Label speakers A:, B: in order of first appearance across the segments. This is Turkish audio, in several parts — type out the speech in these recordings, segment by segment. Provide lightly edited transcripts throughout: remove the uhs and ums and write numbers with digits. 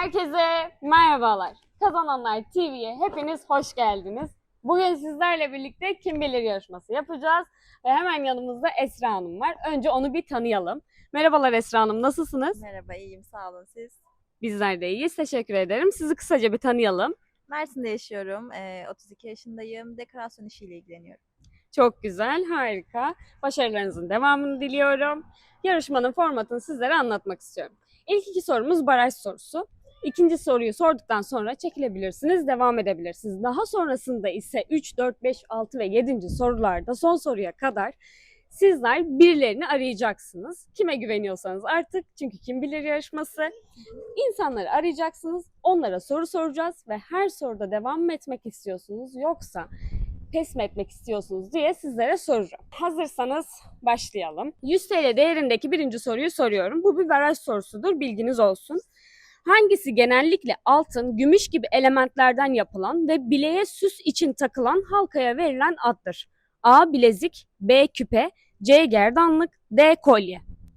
A: Herkese merhabalar. Kazananlar TV'ye hepiniz hoş geldiniz. Bugün sizlerle birlikte Kim Bilir yarışması yapacağız. Ve hemen yanımızda Esra Hanım var. Önce onu bir tanıyalım. Merhabalar Esra Hanım, nasılsınız?
B: Merhaba, iyiyim. Sağ olun siz.
A: Bizler de iyiyiz, teşekkür ederim. Sizi kısaca bir tanıyalım.
B: Mersin'de yaşıyorum. 32 yaşındayım. Dekorasyon işiyle ilgileniyorum.
A: Çok güzel, harika. Başarılarınızın devamını diliyorum. Yarışmanın formatını sizlere anlatmak istiyorum. İlk iki sorumuz baraj sorusu. İkinci soruyu sorduktan sonra çekilebilirsiniz, devam edebilirsiniz. Daha sonrasında ise 3, 4, 5, 6 ve 7. sorularda son soruya kadar sizler birilerini arayacaksınız. Kime güveniyorsanız artık, çünkü kim bilir yarışması. İnsanları arayacaksınız, onlara soru soracağız ve her soruda devam mı etmek istiyorsunuz yoksa pes mi etmek istiyorsunuz diye sizlere soracağım. Hazırsanız başlayalım. 100 TL değerindeki birinci soruyu soruyorum. Bu bir baraj sorusudur, bilginiz olsun. Hangisi genellikle altın, gümüş gibi elementlerden yapılan ve bileğe süs için takılan halkaya verilen addır? A. Bilezik, B. Küpe, C. Gerdanlık, D. Kolye.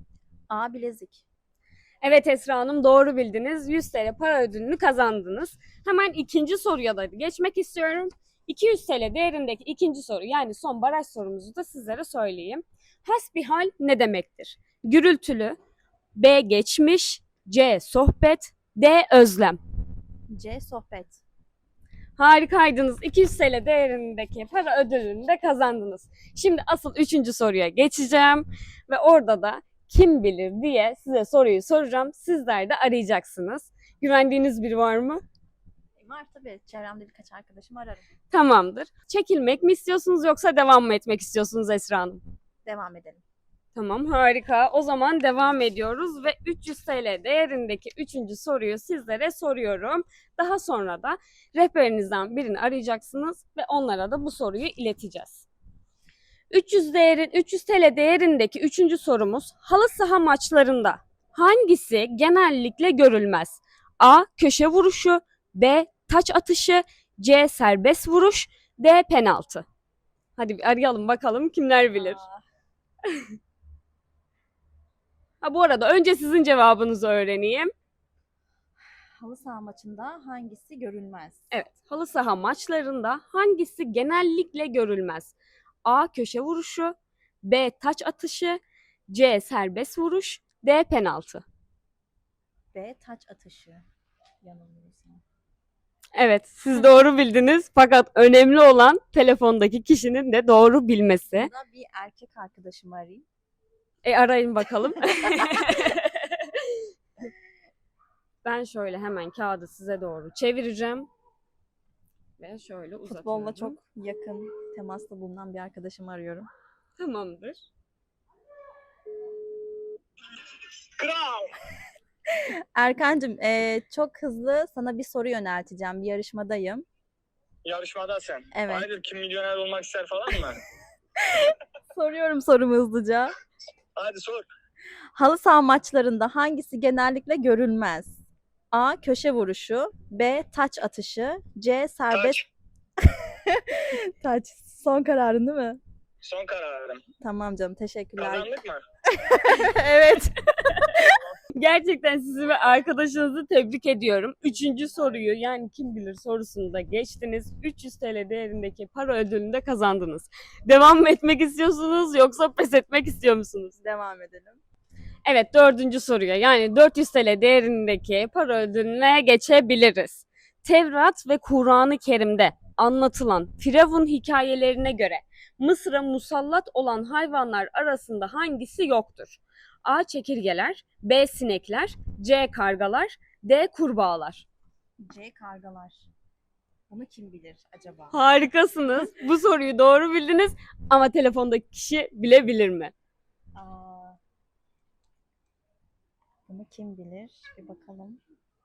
B: A. Bilezik.
A: Evet Esra Hanım, doğru bildiniz. 100 TL para ödülünü kazandınız. Hemen ikinci soruya da geçmek istiyorum. 200 TL değerindeki ikinci soru, yani son baraj sorumuzu da sizlere söyleyeyim. Hasbihal ne demektir? Gürültülü, B. Geçmiş, C. Sohbet, D. Özlem.
B: C. Sohbet.
A: Harikaydınız. 200 TL değerindeki para ödülünü de kazandınız. Şimdi asıl üçüncü soruya geçeceğim ve orada da kim bilir diye size soruyu soracağım. Sizler de arayacaksınız. Güvendiğiniz biri var mı?
B: Var tabii. Çevremde birkaç arkadaşım ararım.
A: Tamamdır. Çekilmek mi istiyorsunuz yoksa devam mı etmek istiyorsunuz Esra Hanım?
B: Devam edelim.
A: Tamam, harika. O zaman devam ediyoruz ve 300 TL değerindeki üçüncü soruyu sizlere soruyorum. Daha sonra da rehberinizden birini arayacaksınız ve onlara da bu soruyu ileteceğiz. 300 TL değerindeki üçüncü sorumuz, halı saha maçlarında hangisi genellikle görülmez? A. Köşe vuruşu, B. Taç atışı, C. Serbest vuruş, D. Penaltı. Hadi bir arayalım bakalım kimler bilir. Bu arada önce sizin cevabınızı öğreneyim.
B: Halı saha maçında hangisi görülmez?
A: Evet, halı saha maçlarında hangisi genellikle görülmez? A. Köşe vuruşu, B. Taç atışı, C. Serbest vuruş, D. Penaltı.
B: B. Taç atışı. Yanılmıyorsam.
A: Evet, siz doğru bildiniz. Fakat önemli olan telefondaki kişinin de doğru bilmesi.
B: Burada bir erkek arkadaşımı arayayım.
A: Arayın bakalım. Ben şöyle hemen kağıdı size doğru çevireceğim. Ve şöyle uzatıyorum.
B: Futbolla çok yakın temasta bulunan bir arkadaşımı arıyorum.
A: Tamamdır.
C: Kral.
B: Erkancığım, çok hızlı sana bir soru yönelteceğim. Bir yarışmadayım.
C: Yarışmada sen.
B: Evet.
C: Hayırdır, kim milyoner olmak ister falan mı?
B: Soruyorum sorumu hızlıca.
C: Hadi sor.
B: Halı saha maçlarında hangisi genellikle görülmez? A. Köşe vuruşu, B. Taç atışı, C. Serbest
C: Taç.
B: taç. Son kararın değil mi?
C: Son kararım.
B: Tamam canım, teşekkürler.
C: Kazandık mı?
B: Evet.
A: Gerçekten sizi ve arkadaşınızı tebrik ediyorum. Üçüncü soruyu, yani kim bilir sorusunu da geçtiniz. 300 TL değerindeki para ödülünü de kazandınız. Devam mı etmek istiyorsunuz yoksa pes etmek istiyor musunuz?
B: Devam edelim.
A: Evet, dördüncü soruya, yani 400 TL değerindeki para ödülüne geçebiliriz. Tevrat ve Kur'an-ı Kerim'de anlatılan Firavun hikayelerine göre Mısır'a musallat olan hayvanlar arasında hangisi yoktur? A. Çekirgeler, B. Sinekler, C. Kargalar, D. Kurbağalar.
B: C. Kargalar. Bunu kim bilir acaba?
A: Harikasınız. Bu soruyu doğru bildiniz ama telefondaki kişi bilebilir mi?
B: Aa, bunu kim bilir? Bir bakalım.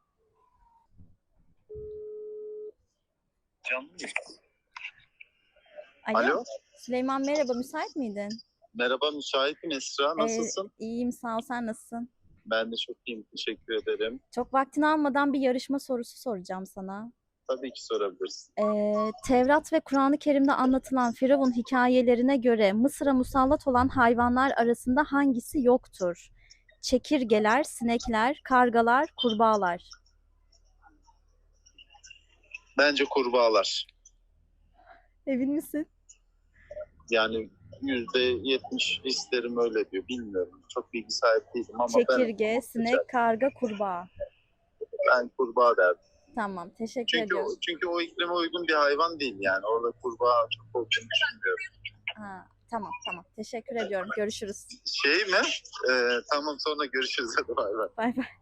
C: Canlı.
B: Alo. Süleyman merhaba, müsait miydin?
D: Merhaba, müsaitim Esra. Nasılsın?
B: İyiyim sağ ol, sen nasılsın?
D: Ben de çok iyiyim, teşekkür ederim.
B: Çok vaktini almadan bir yarışma sorusu soracağım sana.
D: Tabii ki sorabilirsin.
B: Tevrat ve Kur'an-ı Kerim'de anlatılan Firavun hikayelerine göre Mısır'a musallat olan hayvanlar arasında hangisi yoktur? Çekirgeler, sinekler, kargalar, kurbağalar.
D: Bence kurbağalar.
B: Emin misin?
D: Yani %70 isterim öyle diyor. Bilmiyorum. Çok bilgi sahibi değilim ama
B: Çekirge, sinek, karga, kurbağa.
D: ben kurbağa derdim.
B: Tamam, teşekkür
D: Çünkü
B: ediyoruz.
D: çünkü o iklime uygun bir hayvan değil yani. Orada kurbağa çok olduğunu düşünmüyorum.
B: Ha, tamam, teşekkür ediyorum. Görüşürüz.
D: Şey mi? Tamam, sonra görüşürüz. Hadi bay bay.
B: Bay bay.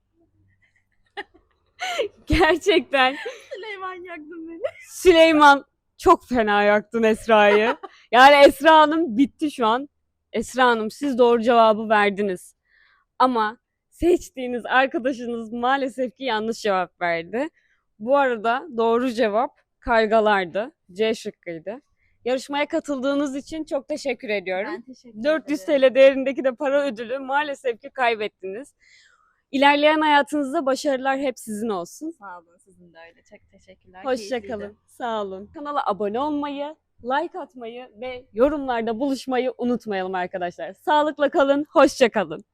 A: Gerçekten
B: Süleyman yaktın beni.
A: Süleyman çok fena yaktın Esra'yı. Yani Esra Hanım bitti şu an. Esra Hanım siz doğru cevabı verdiniz. Ama seçtiğiniz arkadaşınız maalesef ki yanlış cevap verdi. Bu arada doğru cevap kargalardı. C şıkkıydı. Yarışmaya katıldığınız için çok teşekkür ediyorum.
B: Ben teşekkür
A: 400
B: ederim.
A: TL değerindeki de para ödülü maalesef ki kaybettiniz. İlerleyen hayatınızda başarılar hep sizin olsun.
B: Sağ olun, sizin de öyle. Çok teşekkürler.
A: Hoşça
B: Keyifliydi.
A: kalın. Sağ olun. Kanala abone olmayı, like atmayı ve yorumlarda buluşmayı unutmayalım arkadaşlar. Sağlıkla kalın, hoşça kalın.